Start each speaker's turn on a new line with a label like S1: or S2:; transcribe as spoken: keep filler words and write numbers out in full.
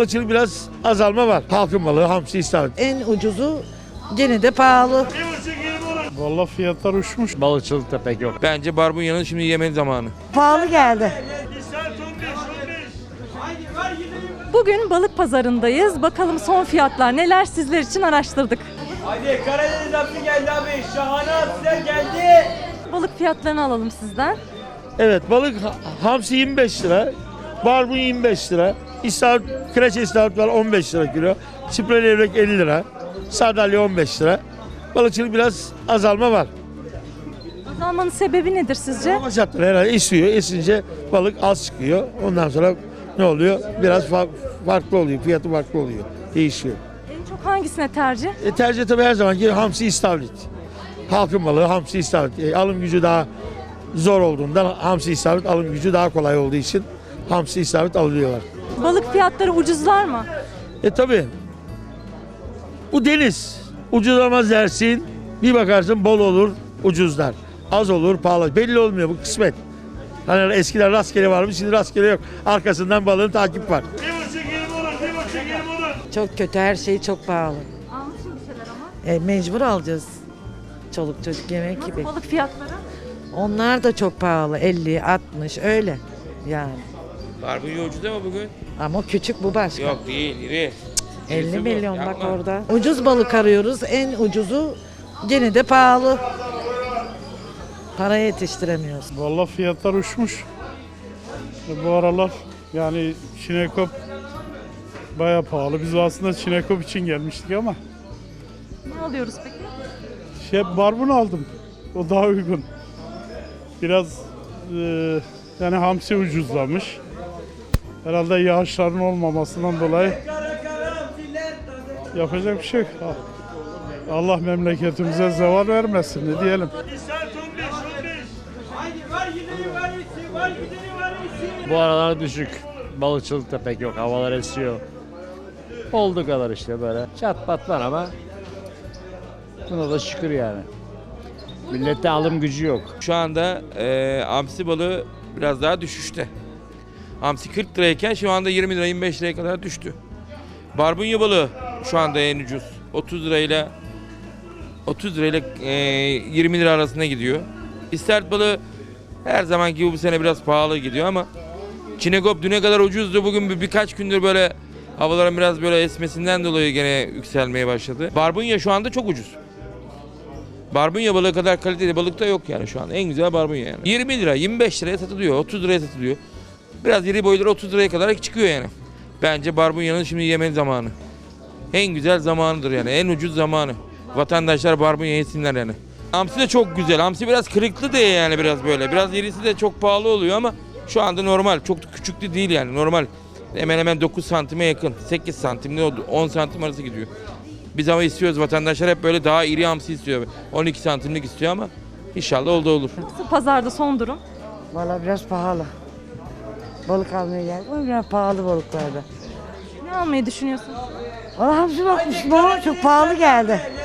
S1: balıkçılık biraz azalma var. Halkın balığı, hamsi, istavrit.
S2: En ucuzu gene de pahalı.
S3: Vallahi fiyatlar uçmuş.
S4: Balıkçılıkta pek yok.
S5: Bence barbunyanın şimdi yeme zamanı.
S2: Pahalı geldi.
S6: Bugün balık pazarındayız. Bakalım son fiyatlar neler, sizler için araştırdık.
S7: Hadi Karadeniz hamsi geldi abi. Şahane hamsiler geldi.
S6: Balık fiyatlarını alalım sizden.
S1: Evet, balık ha- hamsi yirmi beş lira, barbunya yirmi beş lira, istavrit, kreçe istavrit var on beş lira kilo, çipre levrek elli lira, sardalya on beş lira. Balıkçılık biraz azalma var.
S6: Azalmanın sebebi nedir sizce?
S1: Hava şartları herhalde esiyor, esince balık az çıkıyor. Ondan sonra ne oluyor? Biraz fa- farklı oluyor, fiyatı farklı oluyor, değişiyor.
S6: En çok hangisine tercih?
S1: E, tercih tabii her zamanki hamsi istavrit. Halkın balığı hamsi istavrit. E, alım gücü daha zor olduğundan hamsi istavrit alım gücü daha kolay olduğu için hamsi istavrit alıyorlar.
S6: Balık fiyatları ucuzlar mı?
S1: E tabii bu deniz ucuzlamaz dersin, bir bakarsın bol olur ucuzlar. Az olur pahalı, belli olmuyor, bu kısmet. Hani eskiden rastgele varmış, şimdi rastgele yok. Arkasından balığın takip var.
S2: Çok kötü, her şey çok pahalı.
S6: Almışım bir şeyler ama.
S2: E, mecbur alacağız. Çoluk çocuk yemek gibi.
S6: Balık fiyatları?
S2: Onlar da çok pahalı. elli, altmış öyle yani.
S5: Barbunya ucuz ama bugün.
S2: Ama o küçük, bu başka.
S5: Yok değil, iri.
S2: elli
S5: Birisi bu,
S2: milyon bak
S5: yapma.
S2: orada. Ucuz balık arıyoruz. En ucuzu gene de pahalı. Para yetiştiremiyoruz.
S3: Vallahi fiyatlar uçmuş. E, Bu aralar yani çinekop baya pahalı. Biz aslında çinekop için gelmiştik ama
S6: Ne alıyoruz peki?
S3: şey barbun aldım. O daha uygun. Biraz e, yani hamsi ucuzlamış. Herhalde yağışların olmamasından dolayı yapacak bir şey yok. Allah memleketimize zeval vermesin, ne diyelim.
S7: Hadi var gideni var iyisi. Var gideni var iyisi.
S4: Bu aralar düşük. Balıkçılıkta pek yok. Havalar esiyor. Olduğu kadar işte böyle. Çat pat var ama buna da şükür yani. Millette alım gücü yok.
S5: Şu anda e, hamsi balığı biraz daha düşüşte. Hamsi kırk lirayken şu anda yirmi lira yirmi beş liraya kadar düştü. Barbunya balığı şu anda en ucuz. otuz lirayla otuz lirayla e, yirmi lira arasında gidiyor. İstavrit balığı her zamanki gibi bu sene biraz pahalı gidiyor ama çinekop düne kadar ucuzdu. Bugün bir, birkaç gündür böyle havaların biraz böyle esmesinden dolayı gene yükselmeye başladı. Barbunya şu anda çok ucuz. Barbunya balığı kadar kaliteli balık da yok yani şu an. En güzel barbunya yani. yirmi lira, yirmi beş liraya satılıyor, otuz liraya satılıyor. Biraz iri boyları otuz liraya kadar çıkıyor yani. Bence barbunyanın şimdi yeme zamanı. En güzel zamanıdır yani. En ucuz zamanı. Vatandaşlar barbunya yesinler yani. Hamsi de çok güzel. Hamsi biraz kırıklı diye yani biraz böyle. Biraz irisi de çok pahalı oluyor ama şu anda normal. Çok da küçük de değil yani normal. Hemen hemen dokuz santime yakın. sekiz santim ne oldu? on santim arası gidiyor. Biz ama istiyoruz, vatandaşlar hep böyle daha iri hamsi istiyor. on iki santimlik istiyor ama inşallah oldu olur.
S6: Pazarda son durum.
S2: Valla biraz pahalı. Balık almaya geldik ama biraz pahalı balıklarda.
S6: Ne almayı düşünüyorsunuz?
S2: Valla hamsi bakmıştım ama çok pahalı geldi.